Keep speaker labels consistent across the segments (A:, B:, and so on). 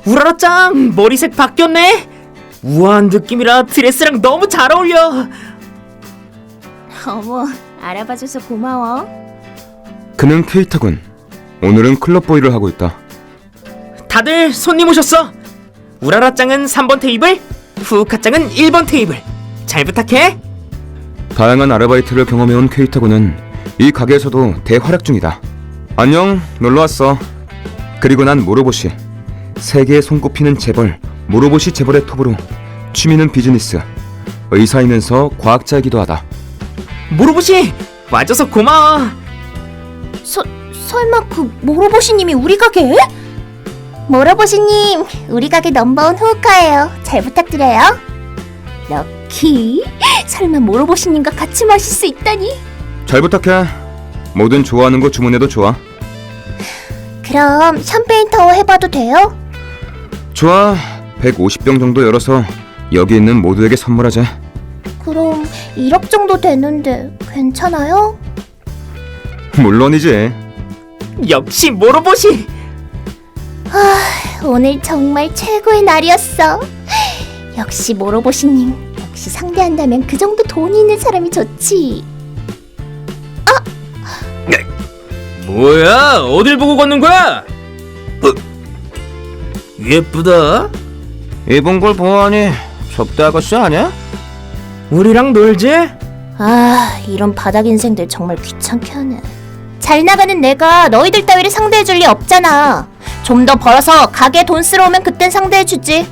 A: 우라라짱, 머리색 바뀌었네. 우아한 느낌이라 드레스랑 너무 잘 어울려.
B: 어머, 알아봐줘서 고마워.
C: 그는 케이타군. 오늘은 클럽보이를 하고 있다.
A: 다들 손님 오셨어. 우라라짱은 3번 테이블, 후우카짱은 1번 테이블. 잘 부탁해.
C: 다양한 아르바이트를 경험해온 케이타군은 이 가게에서도 대활약 중이다. 안녕, 놀러왔어. 그리고 난 모로보시. 세계에 손꼽히는 재벌, 모로보시 재벌의 톱으로 취미는 비즈니스, 의사이면서 과학자이기도 하다.
A: 모로보시, 와줘서 고마워.
B: 설마 그 모로보시님이 우리 가게에? 모로보시님, 우리 가게 넘버원 후우카예요. 잘 부탁드려요. 럭키, 설마 모로보시님과 같이 마실 수 있다니?
C: 잘 부탁해. 뭐든 좋아하는 거 주문해도 좋아.
B: 그럼 샴페인 타워 해봐도 돼요?
C: 좋아. 150병 정도 열어서 여기 있는 모두에게 선물하자.
B: 그럼 1억 정도 되는데 괜찮아요?
C: 물론이지.
A: 역시 모로보시.
B: 오늘 정말 최고의 날이었어. 역시 모로보시님, 역시 상대한다면 그 정도 돈이 있는 사람이 좋지.
A: 뭐야, 어딜 보고 걷는 거야? 예쁘다.
C: 입은 걸 보아하니 접대 아가씨 아니야?
A: 우리랑 놀지?
B: 아, 이런 바닥 인생들 정말 귀찮게 하네. 잘 나가는 내가 너희들 따위를 상대해줄 리 없잖아. 좀 더 벌어서 가게에 돈 쓰러 오면 그땐 상대해주지.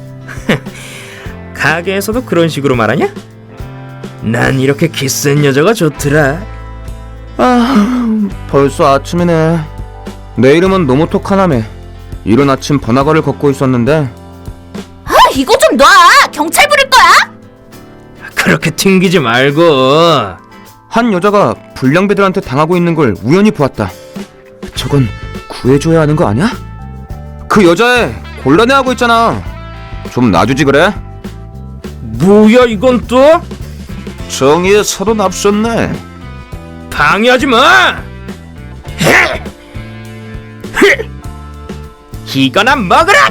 A: 가게에서도 그런 식으로 말하냐? 난 이렇게 키스한 여자가 좋더라.
C: 벌써 아침이네. 내 이름은 노모토 카나메. 이른 아침 번화가를 걷고 있었는데
B: 아, 이거 좀 놔! 경찰 부를 거야?
A: 그렇게 튕기지 말고.
C: 한 여자가 불량배들한테 당하고 있는 걸 우연히 보았다. 저건 구해줘야 하는 거 아니야? 그 여자애 곤란해하고 있잖아. 좀 놔주지 그래?
A: 뭐야 이건 또?
C: 정의의 사도 납셨네.
A: 방해하지 마! 이거나 먹으라!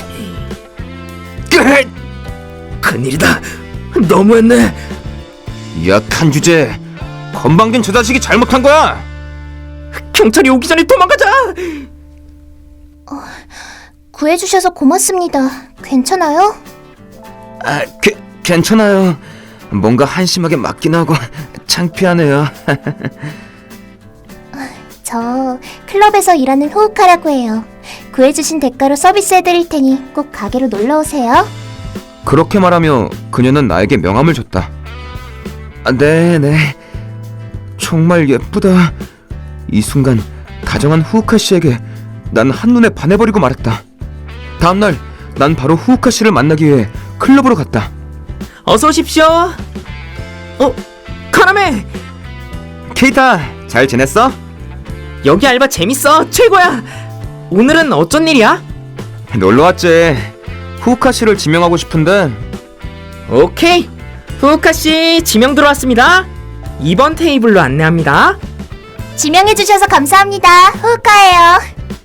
A: 큰일이다. 너무했네.
C: 약한 주제. 건방진 저 자식이 잘못한 거야.
A: 경찰이 오기 전에 도망가자.
B: 구해주셔서 고맙습니다. 괜찮아요?
C: 괜찮아요. 뭔가 한심하게 맞긴 하고 창피하네요.
B: 저 클럽에서 일하는 후우카라고 해요. 구해주신 대가로 서비스해드릴 테니 꼭 가게로 놀러오세요.
C: 그렇게 말하며 그녀는 나에게 명함을 줬다. 네네. 정말 예쁘다. 이 순간 다정한 후우카 씨에게 난 한눈에 반해버리고 말았다. 다음날 난 바로 후우카 씨를 만나기 위해 클럽으로 갔다.
A: 어서 오십시오. 카나메.
C: 케이타, 잘 지냈어?
A: 여기 알바 재밌어. 최고야. 오늘은 어쩐 일이야?
C: 놀러왔지. 후우카 씨를 지명하고 싶은데.
A: 오케이. 후우카씨 지명 들어왔습니다. 2번 테이블로 안내합니다.
B: 지명해주셔서 감사합니다. 후우카예요.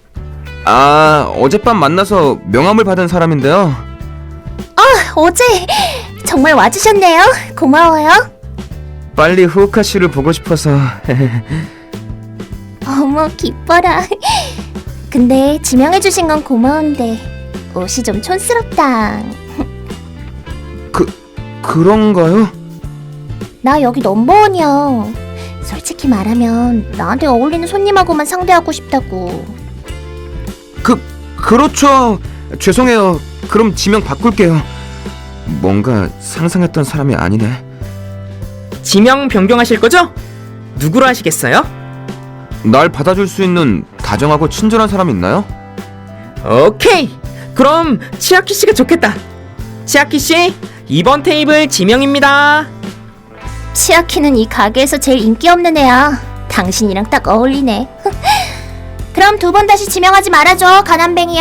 C: 어젯밤 만나서 명함을 받은 사람인데요.
B: 어제 정말 와주셨네요. 고마워요.
C: 빨리 후우카 씨를 보고 싶어서.
B: 어머, 기뻐라. 근데 지명해주신 건 고마운데 옷이 좀 촌스럽다.
C: 그런가요?
B: 나 여기 넘버원이야. 솔직히 말하면 나한테 어울리는 손님하고만 상대하고 싶다고.
C: 그렇죠. 죄송해요. 그럼 지명 바꿀게요. 뭔가 상상했던 사람이 아니네.
A: 지명 변경하실 거죠? 누구로 하시겠어요?
C: 날 받아줄 수 있는 다정하고 친절한 사람 있나요?
A: 오케이. 그럼 치아키 씨가 좋겠다. 치아키 씨, 2번 테이블 지명입니다.
B: 치아키는 이 가게에서 제일 인기 없는 애야. 당신이랑 딱 어울리네. 그럼 두 번 다시 지명하지 말아줘, 가난뱅이야.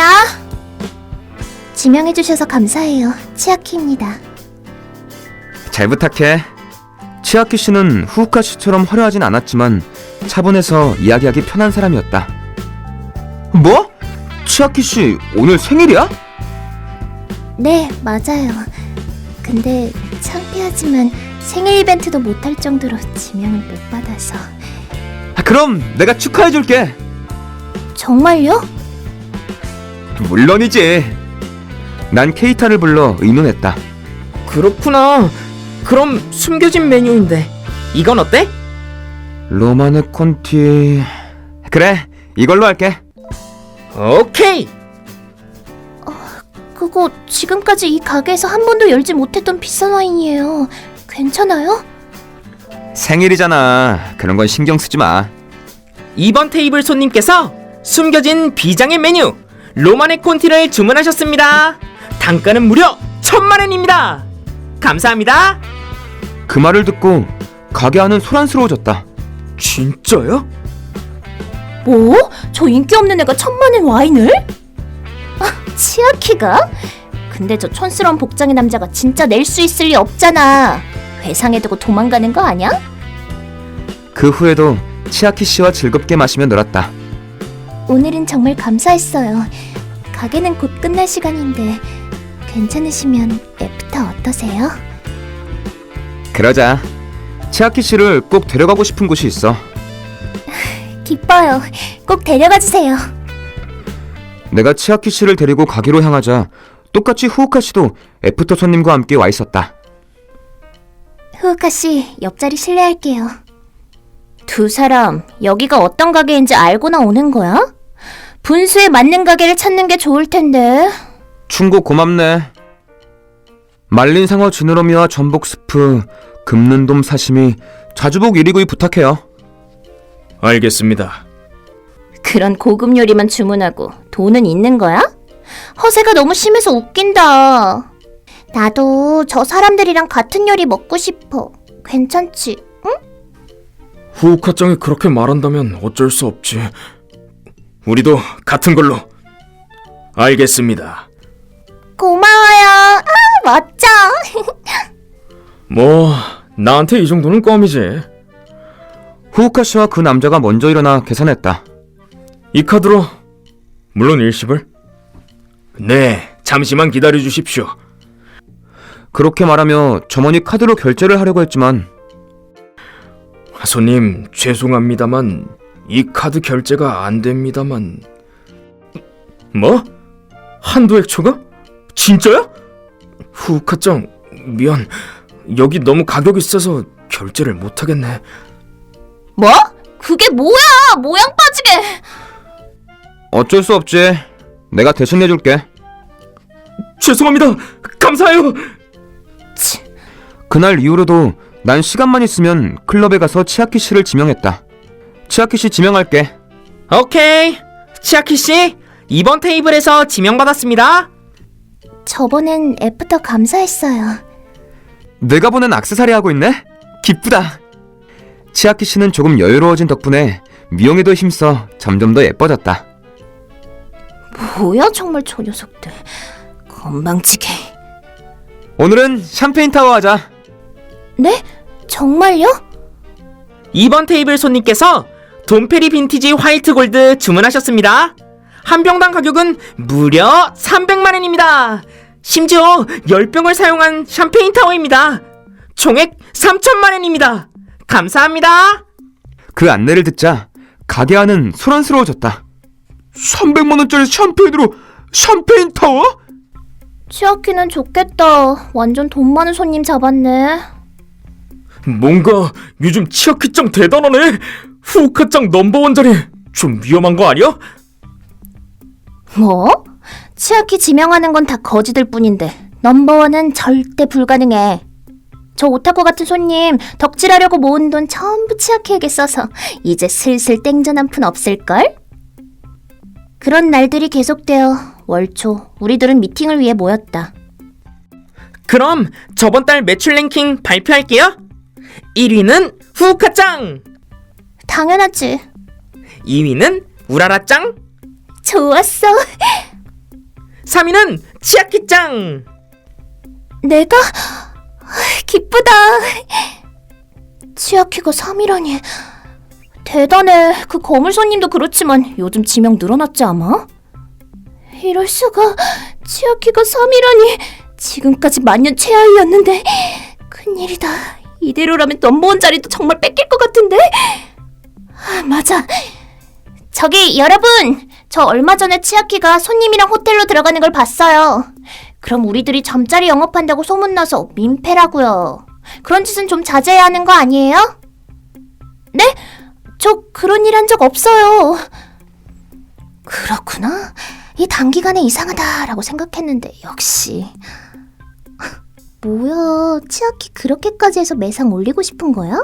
B: 지명해주셔서 감사해요. 치아키입니다.
C: 잘 부탁해. 치아키 씨는 후우카 씨처럼 화려하진 않았지만 차분해서 이야기하기 편한 사람이었다. 뭐? 치아키 씨 오늘 생일이야?
B: 네, 맞아요. 근데 창피하지만 생일 이벤트도 못할 정도로 지명을 못 받아서.
C: 그럼 내가 축하해줄게.
B: 정말요?
C: 물론이지. 난 케이타를 불러 의논했다.
A: 그렇구나. 그럼 숨겨진 메뉴인데 이건 어때?
C: 로마네 콘티... 그래, 이걸로 할게.
A: 오케이.
B: 그거 지금까지 이 가게에서 한 번도 열지 못했던 비싼 와인이에요. 괜찮아요?
C: 생일이잖아. 그런 건 신경 쓰지 마.
A: 이번 테이블 손님께서 숨겨진 비장의 메뉴 로마네 콘티를 주문하셨습니다. 단가는 무려 1,000,000원입니다. 감사합니다.
C: 그 말을 듣고 가게 안은 소란스러워졌다.
A: 진짜요?
B: 뭐? 저 인기 없는 애가 1,000,000원 와인을? 치아키가? 근데 저 촌스러운 복장의 남자가 진짜 낼 수 있을 리 없잖아. 회상해 두고 도망가는 거 아니야?
C: 그 후에도 치아키 씨와 즐겁게 마시며 놀았다.
B: 오늘은 정말 감사했어요. 가게는 곧 끝날 시간인데 괜찮으시면 애프터 어떠세요?
C: 그러자. 치아키 씨를 꼭 데려가고 싶은 곳이 있어.
B: 기뻐요. 꼭 데려가 주세요.
C: 내가 치아키 씨를 데리고 가기로 향하자 똑같이 후우카 씨도 애프터 손님과 함께 와 있었다.
B: 후우카 씨, 옆자리 실례할게요. 두 사람 여기가 어떤 가게인지 알고나 오는 거야? 분수에 맞는 가게를 찾는 게 좋을 텐데.
C: 충고 고맙네. 말린 상어 지느러미와 전복 스프, 금는돔 사시미, 자주복 1위구이 부탁해요.
A: 알겠습니다.
B: 그런 고급 요리만 주문하고 돈은 있는 거야? 허세가 너무 심해서 웃긴다. 나도 저 사람들이랑 같은 요리 먹고 싶어. 괜찮지? 응?
A: 후우카짱이 그렇게 말한다면 어쩔 수 없지. 우리도 같은 걸로. 알겠습니다.
B: 고마워요. 멋져.
A: 뭐 나한테 이 정도는 껌이지.
C: 후우카 씨와 그 남자가 먼저 일어나 계산했다.
A: 이 카드로 물론 일식을. 네, 잠시만 기다려 주십시오.
C: 그렇게 말하며 점원이 카드로 결제를 하려고 했지만
A: 손님 죄송합니다만 이 카드 결제가 안 됩니다만. 뭐? 한도 액초가? 진짜야? 후우카짱 미안. 여기 너무 가격이 싸서 결제를 못하겠네.
B: 뭐? 그게 뭐야? 모양 빠지게.
C: 어쩔 수 없지. 내가 대신 내줄게.
A: 죄송합니다. 감사해요.
C: 그날 이후로도 난 시간만 있으면 클럽에 가서 치아키 씨를 지명했다. 치아키 씨 지명할게.
A: 오케이. 치아키 씨, 이번 테이블에서 지명받았습니다.
B: 저번엔 애프터 감사했어요.
C: 내가 보낸 액세서리 하고 있네? 기쁘다. 치아키 씨는 조금 여유로워진 덕분에 미용에도 힘써 점점 더 예뻐졌다.
B: 뭐야 정말 저 녀석들. 건방지게.
C: 오늘은 샴페인 타워 하자.
B: 네? 정말요?
A: 이번 테이블 손님께서 돈페리 빈티지 화이트 골드 주문하셨습니다. 한 병당 가격은 무려 300만원입니다. 심지어 10병을 사용한 샴페인 타워입니다. 총액 3,000만원입니다. 감사합니다.
C: 그 안내를 듣자 가게 안은 소란스러워졌다. 300만원짜리 샴페인으로 샴페인 타워?
B: 치아키는 좋겠다. 완전 돈 많은 손님 잡았네.
A: 뭔가 요즘 치아키짱 대단하네. 후우카짱 넘버원 자리 좀 위험한 거 아니야?
B: 뭐? 치아키 지명하는 건 다 거지들 뿐인데 넘버원은 절대 불가능해. 저 오타쿠 같은 손님 덕질하려고 모은 돈 전부 치아키에게 써서 이제 슬슬 땡전 한 푼 없을걸? 그런 날들이 계속되어 월초 우리들은 미팅을 위해 모였다.
A: 그럼 저번 달 매출 랭킹 발표할게요. 1위는 후우카짱,
B: 당연하지.
A: 2위는 우라라짱,
B: 좋았어.
A: 3위는 치아키짱.
B: 내가? 기쁘다. 치아키가 3위라니. 대단해. 그 거물 손님도 그렇지만 요즘 지명 늘어났지 아마? 이럴 수가. 치아키가 3위라니. 지금까지 만년 최하위였는데 큰일이다. 이대로라면 넘버원 자리도 정말 뺏길 것 같은데. 아, 맞아. 저기 여러분, 저 얼마 전에 치아키가 손님이랑 호텔로 들어가는 걸 봤어요. 그럼 우리들이 잠자리 영업한다고 소문나서 민폐라고요. 그런 짓은 좀 자제해야 하는 거 아니에요? 네? 저 그런 일 한 적 없어요. 그렇구나. 이 단기간에 이상하다라고 생각했는데 역시. 뭐야, 치아키 그렇게까지 해서 매상 올리고 싶은 거야?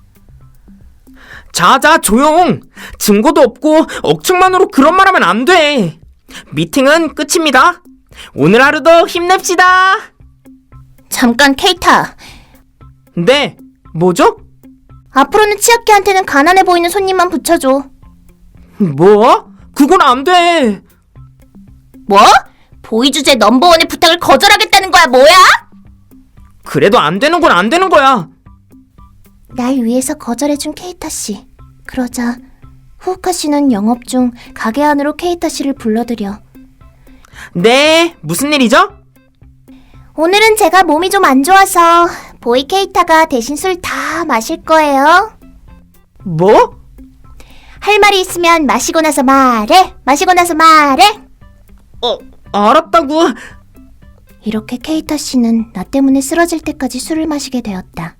A: 자자, 조용. 증거도 없고 억측만으로 그런 말하면 안 돼. 미팅은 끝입니다. 오늘 하루도 힘냅시다.
B: 잠깐, 케이타.
A: 네, 뭐죠?
B: 앞으로는 치아키한테는 가난해 보이는 손님만 붙여줘.
A: 뭐? 그건 안 돼.
B: 뭐? 보이 주제 넘버원의 부탁을 거절하겠다는 거야, 뭐야?
A: 그래도 안 되는 건 안 되는 거야.
B: 날 위해서 거절해준 케이타 씨. 그러자 후우카 씨는 영업 중 가게 안으로 케이타 씨를 불러들여.
A: 네, 무슨 일이죠?
B: 오늘은 제가 몸이 좀 안 좋아서 보이 케이타가 대신 술 다 마실 거예요.
A: 뭐?
B: 할 말이 있으면 마시고 나서 말해. 마시고 나서 말해.
A: 알았다고.
B: 이렇게 케이타 씨는 나 때문에 쓰러질 때까지 술을 마시게 되었다.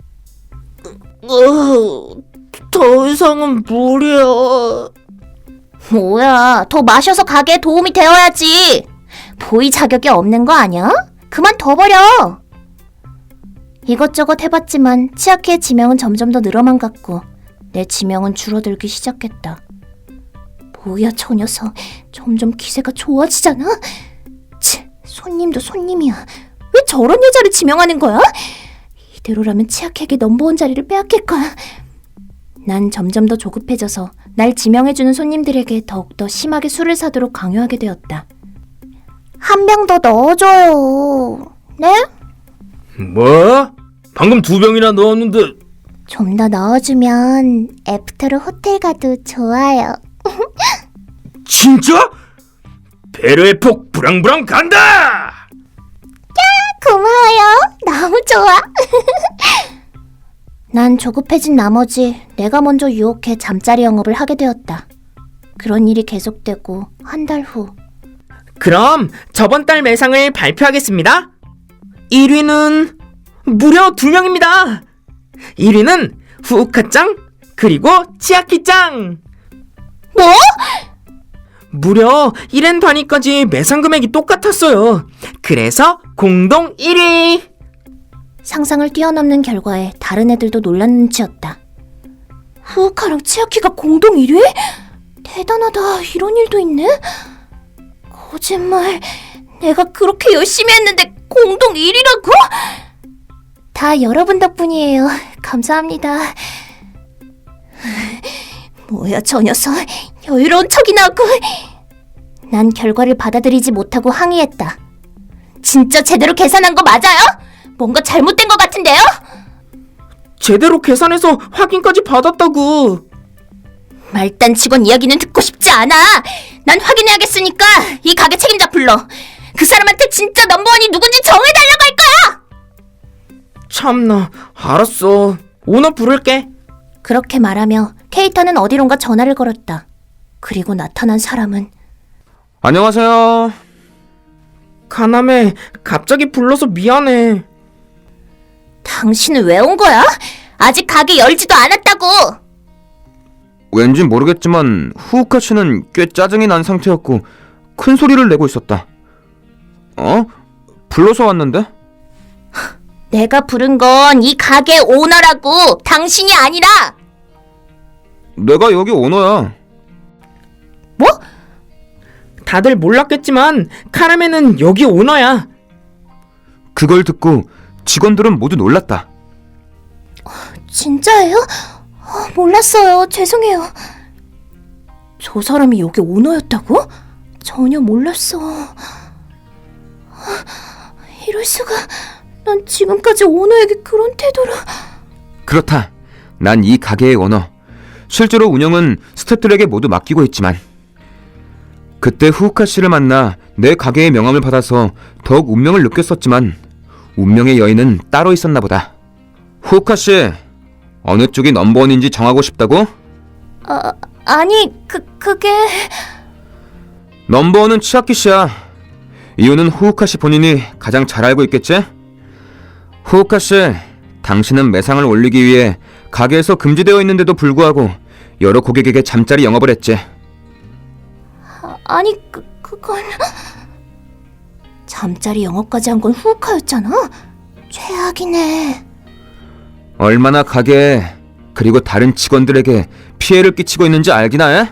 A: 더 이상은 무리야.
B: 뭐야, 더 마셔서 가게에 도움이 되어야지. 보이 자격이 없는 거 아니야? 그만 둬버려. 이것저것 해봤지만 치아키의 지명은 점점 더 늘어만 갔고 내 지명은 줄어들기 시작했다. 뭐야, 저 녀석. 점점 기세가 좋아지잖아. 치, 손님도 손님이야. 왜 저런 여자를 지명하는 거야? 이대로라면 치아키에게 넘버원 자리를 빼앗길 거야. 난 점점 더 조급해져서 날 지명해주는 손님들에게 더욱더 심하게 술을 사도록 강요하게 되었다. 한 병 더 넣어줘요. 네?
A: 뭐? 방금 2병이나 넣었는데.
B: 좀 더 넣어주면 애프터로 호텔 가도 좋아요.
A: 진짜? 배려의 폭 부랑부랑 간다!
B: 고마워요. 너무 좋아. 난 조급해진 나머지 내가 먼저 유혹해 잠자리 영업을 하게 되었다. 그런 일이 계속되고 한 달 후.
A: 그럼 저번 달 매상을 발표하겠습니다. 1위는 무려 2명입니다. 1위는 후우카짱 그리고 치아키짱.
B: 뭐?
A: 무려 1엔 단위까지 매상 금액이 똑같았어요. 그래서 공동 1위.
B: 상상을 뛰어넘는 결과에 다른 애들도 놀란 눈치였다. 후우카랑 치아키가 공동 1위? 대단하다. 이런 일도 있네? 거짓말. 내가 그렇게 열심히 했는데 공동 1위라고? 다 여러분 덕분이에요. 감사합니다. 뭐야, 저 녀석. 여유로운 척이나 하고. 난 결과를 받아들이지 못하고 항의했다. 진짜 제대로 계산한 거 맞아요? 뭔가 잘못된 것 같은데요?
A: 제대로 계산해서 확인까지 받았다고.
B: 말단 직원 이야기는 듣고 싶지 않아. 난 확인해야겠으니까 이 가게 책임자 불러. 그 사람한테 진짜 넘버원이 누군지 정해달라고 할 거야.
A: 참나, 알았어. 오너 부를게.
B: 그렇게 말하며 케이타는 어디론가 전화를 걸었다. 그리고 나타난 사람은
C: 안녕하세요.
A: 가남에 갑자기 불러서 미안해.
B: 당신은 왜 온 거야? 아직 가게 열지도 않았다고.
C: 왠지 모르겠지만 후우카 씨는 꽤 짜증이 난 상태였고 큰 소리를 내고 있었다. 불러서 왔는데?
B: 내가 부른 건 이 가게 오너라고. 당신이 아니라.
C: 내가 여기 오너야.
B: 뭐?
A: 다들 몰랐겠지만 카라멜은 여기 오너야.
C: 그걸 듣고 직원들은 모두 놀랐다.
B: 진짜예요? 몰랐어요. 죄송해요. 저 사람이 여기 오너였다고? 전혀 몰랐어. 이럴 수가. 난 지금까지 오너에게 그런 태도를.
C: 그렇다. 난 이 가게의 오너. 실제로 운영은 스태프들에게 모두 맡기고 있지만 그때 후우카 씨를 만나 내 가게의 명함을 받아서 더욱 운명을 느꼈었지만 운명의 여인은 따로 있었나 보다. 후우카 씨, 어느 쪽이 넘버원인지 정하고 싶다고?
B: 아니, 그게...
C: 넘버원은 치아키 씨야. 이유는 후우카 씨 본인이 가장 잘 알고 있겠지? 후우카 씨, 당신은 매상을 올리기 위해 가게에서 금지되어 있는데도 불구하고 여러 고객에게 잠자리 영업을 했지.
B: 아니, 그건... 잠자리 영업까지 한 건 후우카였잖아? 최악이네.
C: 얼마나 가게에 그리고 다른 직원들에게 피해를 끼치고 있는지 알기나 해?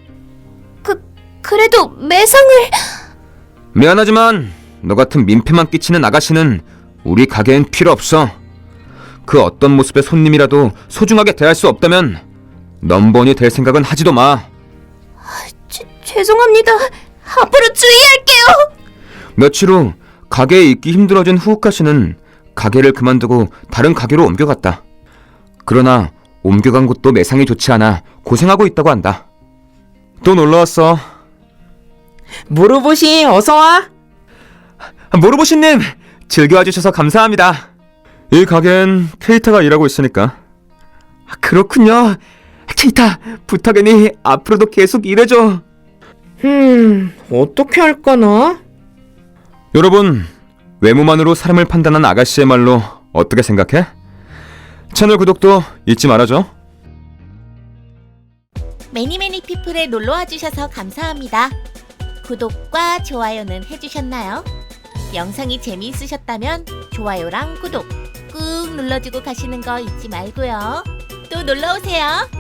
B: 그래도 매상을...
C: 미안하지만 너 같은 민폐만 끼치는 아가씨는 우리 가게엔 필요 없어. 그 어떤 모습의 손님이라도 소중하게 대할 수 없다면 넘버원이 될 생각은 하지도 마.
B: 죄송합니다. 앞으로 주의할게요.
C: 며칠 후 가게에 있기 힘들어진 후우카 씨는 가게를 그만두고 다른 가게로 옮겨갔다. 그러나 옮겨간 곳도 매상이 좋지 않아 고생하고 있다고 한다. 또 놀러왔어.
A: 모로보시 어서와.
C: 모로보시님, 즐겨와주셔서 감사합니다. 이 가게엔 케이타가 일하고 있으니까. 그렇군요. 케이타, 부탁이니 앞으로도 계속 일해줘.
A: 어떻게 할까나?
C: 여러분, 외모만으로 사람을 판단한 아가씨의 말로 어떻게 생각해? 채널 구독도 잊지 말아줘.
D: 매니매니 피플에 놀러와 주셔서 감사합니다. 구독과 좋아요는 해주셨나요? 영상이 재미있으셨다면 좋아요랑 구독 꾹 눌러주고 가시는 거 잊지 말고요. 또 놀러오세요.